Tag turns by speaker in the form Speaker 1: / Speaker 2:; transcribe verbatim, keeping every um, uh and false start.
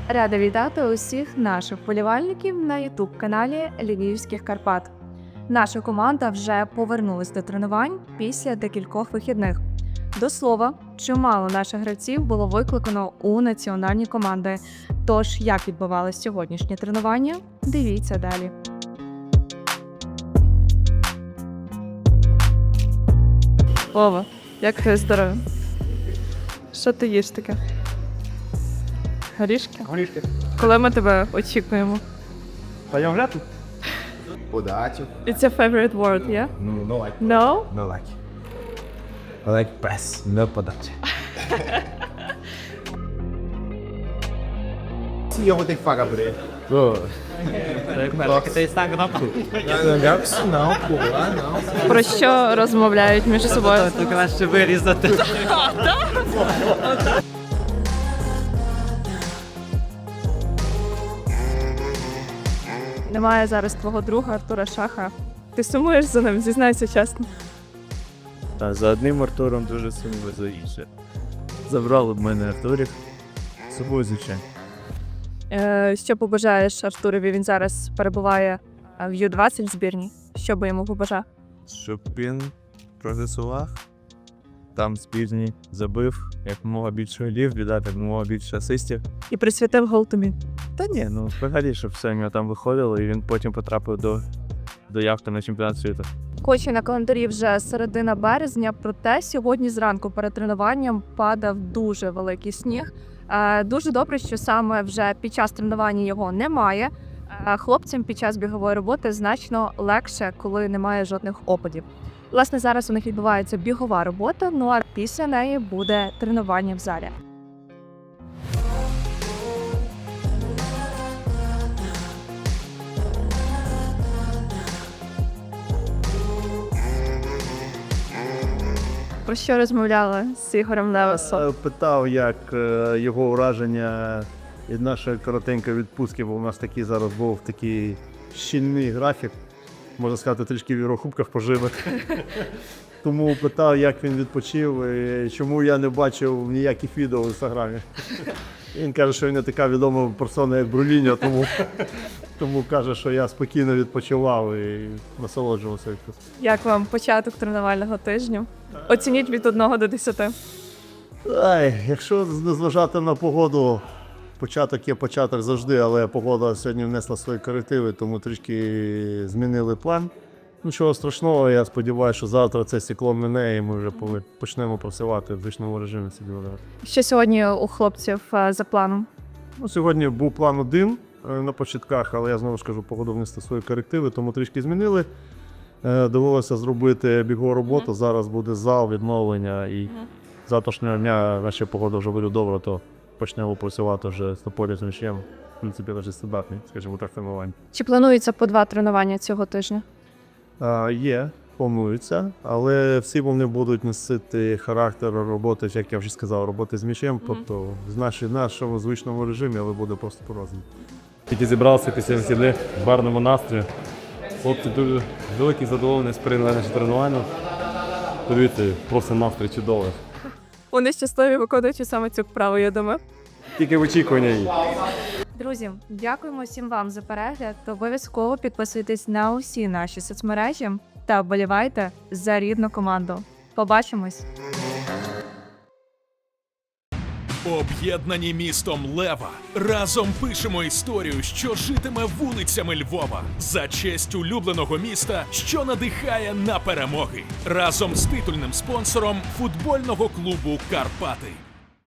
Speaker 1: Рада вітати усіх наших вболівальників на ютуб-каналі Львівських Карпат. Наша команда вже повернулась до тренувань після декількох вихідних. До слова, чимало наших гравців було викликано у національні команди. Тож, як відбувалося сьогоднішнє тренування, дивіться далі. Вова, як твоє здоров'я? Що ти їш таке? Горішки?
Speaker 2: Горішки.
Speaker 1: Коли ми тебе очікуємо?
Speaker 2: Пойдем грати? Подачу.
Speaker 1: It's your favorite word, yeah?
Speaker 2: No, no like.
Speaker 1: No?
Speaker 2: No like. I like press, no подача. Sim, eu vou ter que pagar por ele. Pô.
Speaker 3: Como é que você está gravando?
Speaker 2: Não, isso não, pô. Ah, não.
Speaker 1: Про що розмовляють між собою?
Speaker 3: Ти краще вирізати.
Speaker 1: Немає зараз твого друга Артура Шаха. Ти сумуєш за ним, зізнайся чесно.
Speaker 4: Та за одним Артуром дуже сумно, за інше. Забрали б мене Артурів. З собою, звичайно.
Speaker 1: Е, що побажаєш Артурові? Він зараз перебуває в ю двадцять збірні. Що би йому побажав?
Speaker 4: Щоб він прогресував, там збірні забив якомога більше голів, віддав якомога більше асистів.
Speaker 1: І присвятив гол тобі.
Speaker 4: Та ні, ну взагалі, щоб все в нього там виходило, і він потім потрапив до, до явки на чемпіонат світу.
Speaker 1: Кочі на календарі вже середина березня, проте сьогодні зранку перед тренуванням падав дуже великий сніг. Е, Дуже добре, що саме вже під час тренування його немає. Е, Хлопцям під час бігової роботи значно легше, коли немає жодних опадів. Власне, зараз у них відбувається бігова робота, ну а після неї буде тренування в залі. Про що розмовляли з Ігорем Левесом?
Speaker 5: Е, Питав, як е, його враження від нашої коротенької відпустки, бо у нас такий зараз був такий щільний графік, можна сказати, трішки в Єврокубках пожили. Тому питав, як він відпочив і чому я не бачив ніяких відео в інстаграмі. Він каже, що він не така відома персона, як Бруліньо, тому, тому каже, що я спокійно відпочивав і насолоджувався.
Speaker 1: Як вам початок тренувального тижня? Оцініть від одного до десяти.
Speaker 5: Ай, якщо не зважати на погоду, початок є початок завжди, але погода сьогодні внесла свої корективи, тому трішки змінили план. Нічого страшного, я сподіваюся, що завтра це стекло мине і ми вже почнемо працювати в звичному режимі собі грати.
Speaker 1: Що сьогодні у хлопців е, за планом?
Speaker 5: Ну, сьогодні був план один е, на початках, але я знову ж кажу, погода внесла свої корективи, тому трішки змінили. Е, Довелося зробити бігову роботу, зараз буде зал, відновлення і з завтрашнього дня, якщо погода вже буде добра, то почнемо працювати вже з тополі з м'ячем. В принципі, вже стандартний, скажімо так, тренування.
Speaker 1: Чи планується по два тренування цього тижня?
Speaker 5: А, є, планується, але всі вони будуть носити характер роботи, як я вже сказав, роботи з м'ячем, mm-hmm. тобто в нашій, нашому звичному режимі, але буде просто по-разному.
Speaker 6: Тільки зібрався після вихідних в гарному настрої. Хлопці дуже великі задоволені сприйняли наше тренування. Подивіться, просто настрій чудовий.
Speaker 1: Вони щасливі, виконуючи саме цю вправу, я думаю.
Speaker 6: Тільки в очікуванні її.
Speaker 1: Друзі, дякуємо всім вам за перегляд. Обов'язково підписуйтесь на усі наші соцмережі та вболівайте за рідну команду. Побачимось!
Speaker 7: Об'єднані містом Лева. Разом пишемо історію, що житиме вулицями Львова. За честь улюбленого міста, що надихає на перемоги. Разом з титульним спонсором футбольного клубу «Карпати».